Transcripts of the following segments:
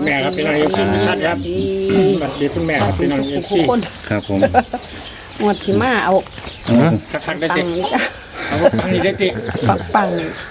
ม่ครับพี่น้องเอฟซีชัดครับสวัสดีคุณแม่ครับพี่น้องเอฟซีครับผมงวดที่มาเอาทักได้ปัติงนี่จ้ะเอาปังนี่ได้ติปัง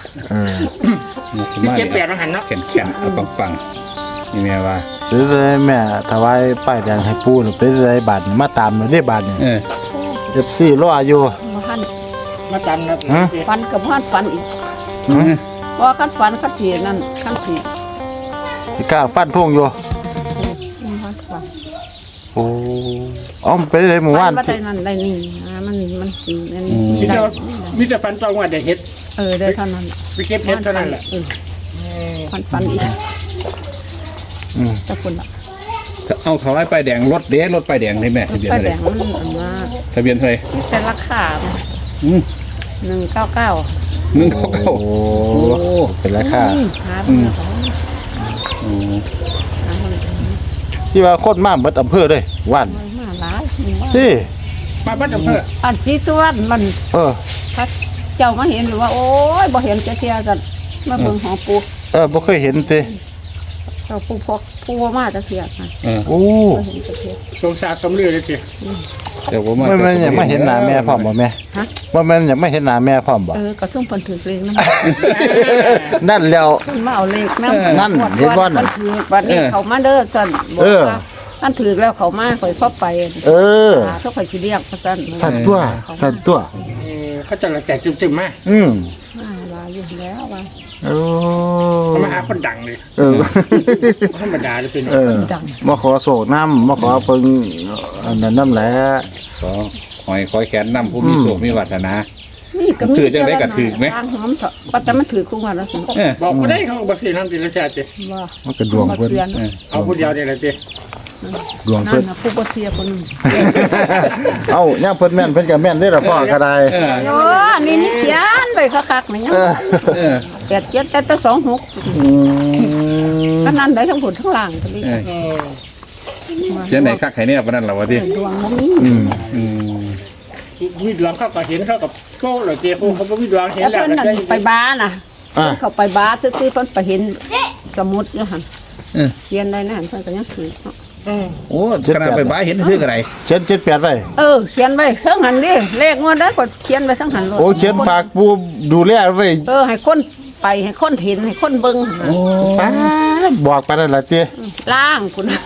ที่เจ็ดแปดมาหันเนาะแข็งๆเอาปังๆนี่แม่ว่าหรือเลยแม่ถวายป้ายแดงให้ปู่หรือเป็นไรบาทมาตามหน่อยได้บาทเนี่ย FC รออยู่มาหันมาตามนะฟันกับหันฟันอีกเพราะขั้นฟันขั้นทีนั่นขั้นทีสิกล้าฟันทุ่งอยู่หันฟันโอ้อ๋อมันเป็นไรหมู่บ้านว่าได้นั่นได้นี่มันสีนั่นนี่มีแต่ฟันตองว่าได้เฮ็ดได้เท่านั้นไปเก็บเฮ็ดเท่านั้นแหละฟันอีกอืมจะคนละเอาถวายป้ายแดงรถเด้รถป้ายแดงให้แม่ทะเบียนป้าอะไรแดงมันอันว่าทะเบียนเท่าไหร่แต่ราคาอืม 199 199 โอ้เป็นราคาหาเพื่อนเขาอืมหาเพื่อนที่ว่าคนมาเบิดอำเภอเลยว่านมาหลายที่มาบ้านอำเภออันชี้ชวนมัน ถ้าเจ้ามาเห็นหรือว่า โอ้ยบ่เห็นจะเทียกันมาเบิ่งหอปูบ่เคยเห็นติเราปูพกปูมาจะเทียกันโอ้บ่เห็นจะเทียสงสารสมลือเลยติเดี๋ยวผมมาไม่แม่นอยากมาเห็นหน้าแม่พร้อมบ่แม่ฮะว่าแม่นอยากมาเห็นหน้าแม่พร้อมบ่ก็ส่งเพิ่นถือเลขนำนั่นแล้วเพิ่นมาเอาเลขนำนั่นเห็นบ่น่ะเพิ่นถือบัดนี้เขามาเด้อซั่นบอกว่าอันถือแล้วเขามาข่อยพอไปเออถ้าข่อยสิเรียกว่าซั่นสั่นตัวสั่นตัวเขาจะละแจกจึมๆมาอืมมาลาอยู่แล้วว่าโอ้เขามาหาคนดังเลยเออธรรมดาเลยเป็นเออมาขอโศกน้ำมาขอเพิ่งอันนั้นน้ำแหละขอหอยคอยแขนนำผู้มีโชคมีวาสนานี่ก็ถือจังได๋ก็ถือไหมทางหอมเถอะว่าแต่มันถือคู่มาแล้วสิบอกไม่ได้เขาบอกสิน้ำติละจ่าติว่ามันก็ดวงเพิ่นเอาผู้เดียวเดียวเลยติดวงนั่เพิ่นนน่ะผู้บ่เสียคนนึงเอ้าย่างเพิ่นแม่นเพิ่นก็แม่นได้อล่ะพ่อก็ได้โอ้นี่นี่เขียนไปคักๆนี่ยังเออ 87แต่26 อืมก็นั่นได้ทั้งผลทั้งล่างก็เลยเจ้าไหนคักไข่เนี่ยปานนั้นล่ะวะติดวงบ่มีอืมอืมมีดวงเข้ากับเห็นเข้ากับโก้เหรอเจ้าเขาบอกมีดวงเห็นแล้วแล้วเพิ่นนั่นไปบ้านน่ะอ่ะเขาไปบ้านซื่อๆเพิ่นไปเห็นสมุดอยู่หั่นเออเขียนได้นั่นเพิ่นก็ยังถือโอ้ขนาดไปบ้ายเห็นชื่ออะไรเขียน78ไว้เขียนไว้เทั้งหันดิเลขงวดได้ก็เขียนไว้ทั้งหันโลดโอ้เขียนฝากปูดูแลไว้ให้คนไปให้คนเห็นให้คนเบิ่งหั่นน่ะป้าดบอกไปนั่นล่ะติล่างพุ่นน่ะ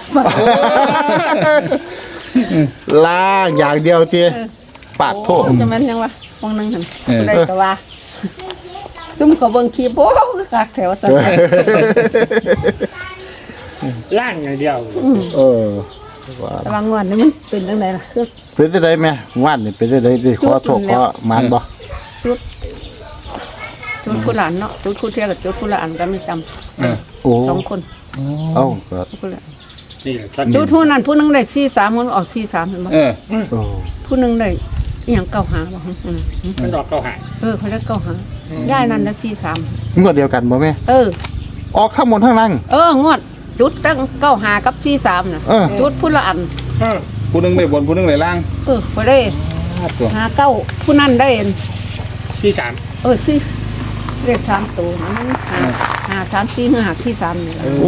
ล้างอย่างเดียวติปาดโทษจะแม่นยังวะวงหนึงหั่นผู้ใดก็ว่าซุ่มเขาเบิ่งคลิปโอ้คือคักแถวซั่นล่างอย่างเดียวเออว่าแต่ว่างวดนี้มันเป็นจังไดล่ะคือเป็นจังไดแม่ว่านนี่เป็นจังไดสิขอโชคขอหมานบ่จุดผู้หลานเนาะจุดผู้เที่ยกับจุดผู้หลานก็ไม่จำโอ้ 2 คนเอ้าก็ผู้หลานนี่แหละจุดผู้นั้นผู้หนึงได้43คนออก43เห็นบ่เออโอ้ผู้หนึงได้อีหยังเก้าหาบ่มันดอกเข้าหาเขาได้เก้าหาย่ายนั่นได้43 งวดเดียวกันบ่แม่ออกทั้งหมดทั้งนั้นงวดจุดตั้งเก้าหากับ43น่ะ จุดผู้ละอันผู้หนึงได้บนผู้หนึงได้ล่างบ่ได้ตัวหาเก้าผู้นั้นได้ที่สามสี่เลข3ตัวมันหา3 4หรือหา43นี่ล่ะโอ้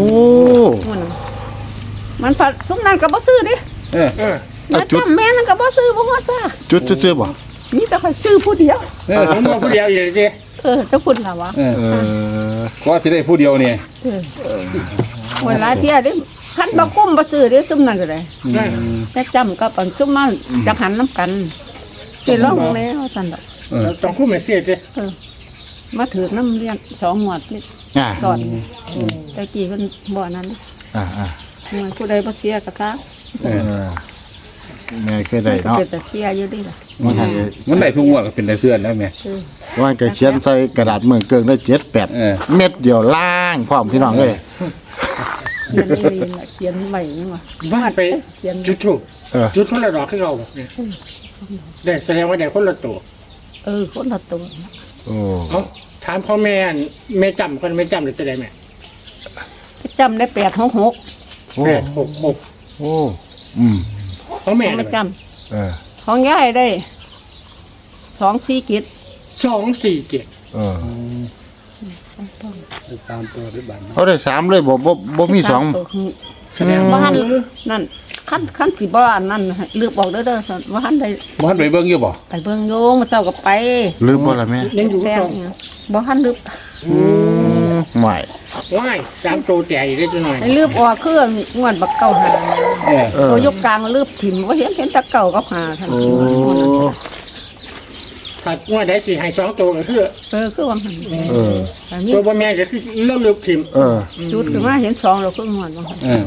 มันผัดซุมนั้นก็บ่ซื้อดิเออแม่จำแม่นั่นก็บ่ซื้อบ่ฮอดซ่าจุดซื่อๆบ่มีแต่ค่อยซื้อผู้เดียวเออผมบอกผู้เดียวอยู่เลยเจ้เจ้าคุณล่ะวะเออเออก็สิได้ผู้เดียวเนี่ยเวลาเที่ยดิคันบ่กุ้มบ่ซื้อดิซุมนั้นก็ได้แต่จำกับอันซุมมาจักหันน้ำกันสิลองแล้วซั่นดอกต้องคู่แม่เสียเจ้มาถือน้ำเลี้ยง2หมวดนี่อ่าสอนแต่กี้เพิ่นบ่นั้นอ่ามันผู้ใดบ่เสียก็ตาเออแม่เคยได้เนาะเป็นแต่เสียอยู่ดิล่ะมันให้มันได้ทุกงวดก็เป็นได้เสื้อแล้วแม่ว่าก็เขียนใส่กระดาษเมืองเกิงได้7-8 เม็ดเดียวล้างพร้อมพี่น้องเอ้ยเขียนไม่มีล่ะเขียนใหม่นี่ว่าบ้านไปเขียนจุดถูกจุดคนละดอกขึ้นเราเนี่ยได้แสดงว่าได้คนละตัวคนละตัวโอ้เอาถามพ่อแม่แม่จำคนไม่จำหรือจะได้แม่จำได้866 โอ้ 866 โอ้อืมพ่อแม่ไม่จเออำของยายได้2 4กิจ 247 เออตามตัวด้วยบัตรเขาได้3เลยบ่มี2 แสดงบ่ว่าหันนั่นขั้นสิบ่อันนั้นเลือกบอกเด้อซั่นบ่หันได้บ้านไปเบิ่งอยู่บ่ไปเบิ่งโยงมาเจ้าก็ไปลืมบ่ล่ะแม่ยังอยู่แซ่บต่อเนี่ยบ่หันลืบไม่ว่ายตามตัวแต่อีกได้จังหน่อยให้ลืบออกคืองวดบักเก่าหาเออเออตัวยกกลางลืบถิ่มบ่เห็นแตะเก่ากับหาท่านโอ้ถ้าว่าได้สิให้2ตัวก็คือคือว่าหันเอออันนี้ตัวบ่แม่นก็คือเลิกถิ่มเออจุดขึ้นมาเห็น2แล้วคืองวดบ่หันเออ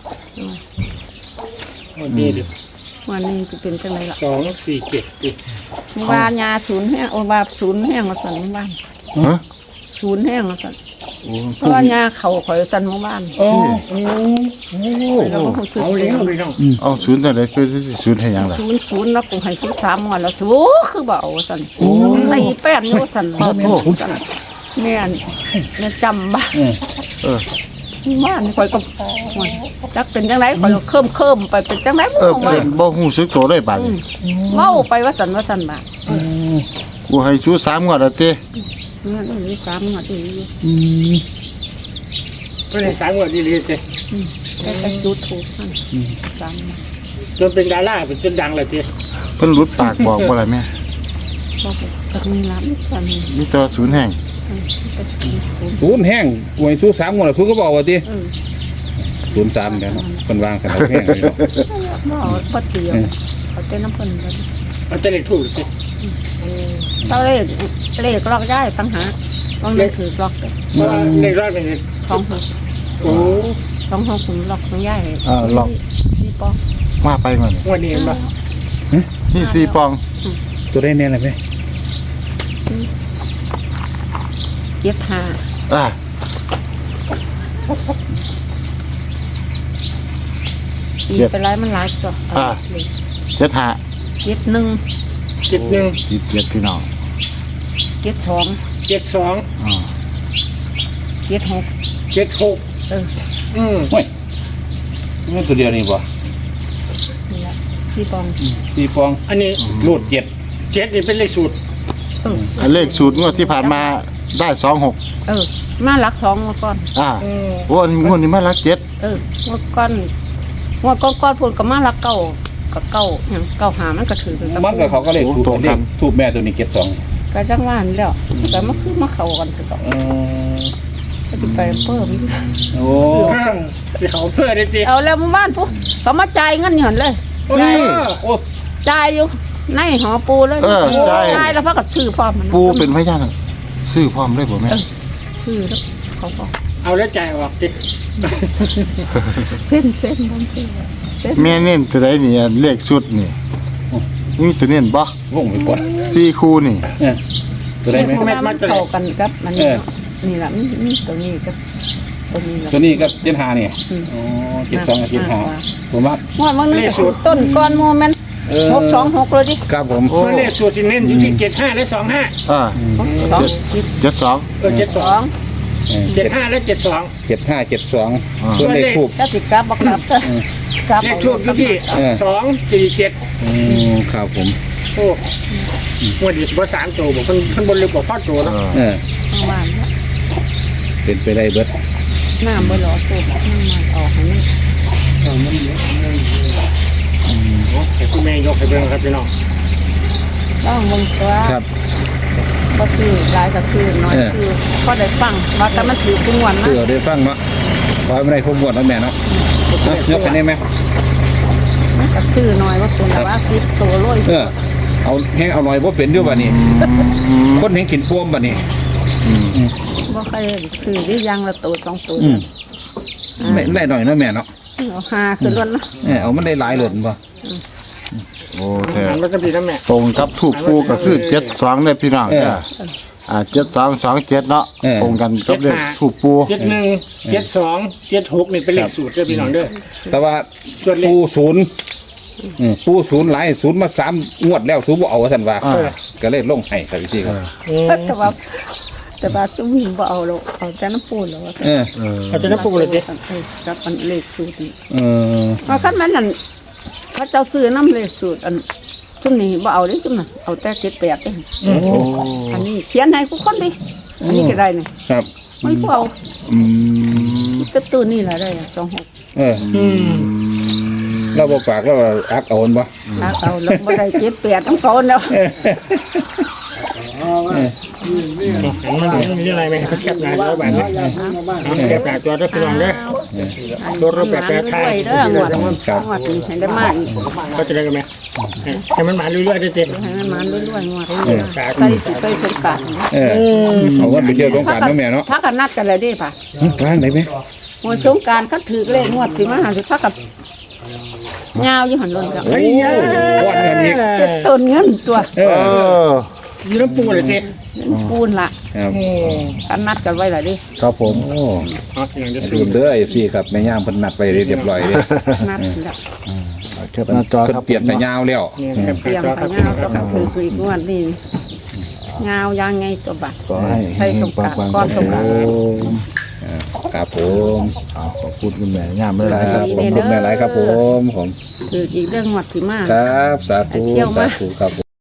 นี่ดิวันนี้สิเป็นจังไดล่ะ 2 4 7ดิว่ายาศูนย์แห้งโอ้ว่าศูนย์แห้งว่าซั่นหมู่บ้านฮะศูนย์แห้งว่าซั่นเพราะว่ายาเขาข่อยซั่นหมู่บ้านโอ้แล้วก็ซื้อเอาแล้วพี่น้องเอาศูนย์จังได๋คือศูนย์ให้หยังล่ะศูนย์แล้วกูให้ซื้อ3งวดแล้วสูคือบ่เอาซั่นตีแป้นอยู่ซั่นแม่นแม่จำบ่เออบ้านข่อยก็จักเป็นจังไดข่อยก็เคิมไปเป็นจังไดเออเป็นบ่ฮู้สึกตัวเลยบาดนี้เว้าไปว่าซั่นบ่ากูให้ชู3งวดแล้วตินั่นนี่3งวดอีกเพิ่นให้3งวดดีๆสิแต่จุดถูกนั่น3 จนเป็นดาราเป็นจนดังเลยสิเพิ่นหลุดปากบอกบ่ล่ะแม่ก็ก็มีรับกันมีแต่ว่าศูนย์แห่งศูนย์แห้งหวยสู้3งวดแล้วสู้ก็บอกว่าติ03แล้วเนาะเพิ่นวางสนามแห้งเลยเนาะบ่เตียวเอาแต่น้ำเพิ่นเอาแต่เลขถูกสิเจ้าเลขล็อกได้ตั้งหาต้องเลขถือล็อกว่าเลขรอดเป็นไงของหกโอ้ต้องหกคุณล็อกต้องย้ายลองสี่ปองมาไปมันงวันนี้เห็นปะนี่4ปองตัวได้แน่เลยไหม 75 อ่าอีไปหลายมันหลายตัว 75 71 71 47พี่น้อง 72 72 อ่า 76 76 โอ้ยนี่ตัวเดียวนี่บ่นี่ละสี่ปอง 4ฟองอันนี้รูด7 7นี่เป็นเลขสูตรอันเลขสูตรงวดที่ผ่านมาได้26 มาหลัก2มาก่อนอ่าโอ้อันนี้งวดนี้มาลัก7 มาก่อนว่าก้อนพูดก็มาหลักเก่ากับเก่าหยังเก่าหามันก็ถือเป็นมันก็เขาก็เลขถูกเลขถูกแม่ตัวนี้72 ก็จังว่านั่นแล้วแต่มันคือมาเข้ากันคือก็เออสิไปเพิ่มโอ้สิเขาเพื่อได้สิเอาแล้วหมู่บ้านปุ๊เขามาจ่ายเงินหย่อนเลยนี่โอ้จ่ายอยู่ในหอปูเลย จ่ายแล้วพักกับซื้อพร้อมมันปูเป็นพยานซื้อพร้อมได้บ่แม่ซื้อแล้วเขาบอกเอาแล้วจ่ายออกสิเส้นมันเส้นแม่เน้นตัวใดนี่เลขชุดนี่นี่ตัวเน้นบ่วงไปปวด 4คู่นี่ตัวได้ไหมมันเข้ากันกับมันนี่แหละนี่ตัวนี้กับตัวนี้ตัวนี้ก็75นี่อ๋อ72กับ75ผมว่าว่ามันนึกต้นก้อนโมเมนต์626เลยดิครับผมเพื่อเลขสูตรสิเน้นอยู่ที่75และ25 อ่า 2 72 75และ72 75 72ส่วนเลขทูบถ้าสิกลับบ่กลับก็กลับเลขทูบอยู่ที่247 ครับผมโอ้วันนี้บ่3ตัวบ่เพิ่นบ่ลึกกว่าพอตัวเนาะประมาณนี้เป็นไปได้เบิดน้ำบ่หล่อตัวน้ำมันออกให้นี่ให้คุณแม่ยกให้เบิ่งครับพี่น้องต้องเบิ่งตัวครับบ่ซื้อหลายก็ซื้อน้อยซื้อพอได้ฟังว่าแต่มันถือทุกวันนะเพื่อได้ฟังเนาะขอให้ไม่ได้พบวดแล้วแม่เนาะยกไปได้ไหมมันก็ซื้อน้อยว่าตัวละว่า10ตัวร้อยเอาแห้งเอาหน่อยว่าเป็นด้วยบ่นี่คนเห็นกินป้วมบ่นี่บ่เคยซื้อได้ยังละตัว2ตัวไม่ได้หน่อยนะแม่เนาะเอา5คือล้วนนะเอามันได้หลายเหลือบ่โอ้แต่มันก็พี่นะแม่ตรงกับถูกปูก็คือ72เลยพี่น้อง7227เนาะตรงกันกับเลขถูกปู 71 72 76นี่เป็นเลขสูตรเด้อพี่น้องเด้อแต่ว่าปูศูนย์ปูศูนย์หลายศูนย์มา3งวดแล้วศูนย์บ่เอาซั่นว่าก็เลยลงให้ครับพี่ครับแต่ว่าซุ่มหิงบ่เอาหรอกเอาแต่น้ำปูนแล้วว่าอาจจะนับปูเลยสิกับอันเลขสูตรนี่เคันมันนั่นเขาเจ้าซื้อน้ำเลขสูตรอันซุ่มนี้บ่เอาเด้ซุ่มน่ะเอาแต่78เด้โอ้อันนี้เขียนให้ทุกคนดิอันนี้ก็ได้นี่ครับมันพวกอืมกระตุ้นนี่แหละได้26 เออเราบอกปากเราอักเอาบ่ถ้าเอาลงบ่ได้เจ็บแปดต้องเขาแล้วหันมาดูมีอะไรไหมเขาแคบหน้าจอแบบนี้แคบหน้าจอได้พี่น้องเด้อ รถแบบไทยเด้อหมดหมดนี่ให้ได้มากก็จะได้กันไหมให้มันมาเรื่อยๆได้เต็มให้มันรวยๆหมดใส่สงกรานต์เอาวันไปเที่ยวสงกรานต์เนาะแม่เนาะพักกันนัดกันเลยดิป่ะกลางไหนไหมหมดสงกรานต์เขาถือเลขงวดสิมาหาสิพักกับยาวอยู่หันลนกับโอ้วันเงินอีกต้นเงินตัวเออยืนน้ำปูเลยเจ๊ปูนละครับกันนัดกันไว้ละดิครับผมโอ้อย่างจะลืมเด้อไอ้ซี่ครับแม่ย่ามเพิ่นนัดไปเรียบร้อยเลยนัดละแคปหน้าจอเพิ่นครับเปลี่ยนแต่ยาวแล้วเตรียมไปยาวต้องถืออีกงวดนี่ยาวยางไงตัวบัตรขอให้ใส่สงกรานต์ปังๆก้อนสงกรานต์ครับผมขอบคุณคุณแม่ย่ามไม่คได้รับขอบคุณแม่หลายครับผมถืออีกเรื่องงวดสิมาครับสาธุเที่ยวสามาธุครับ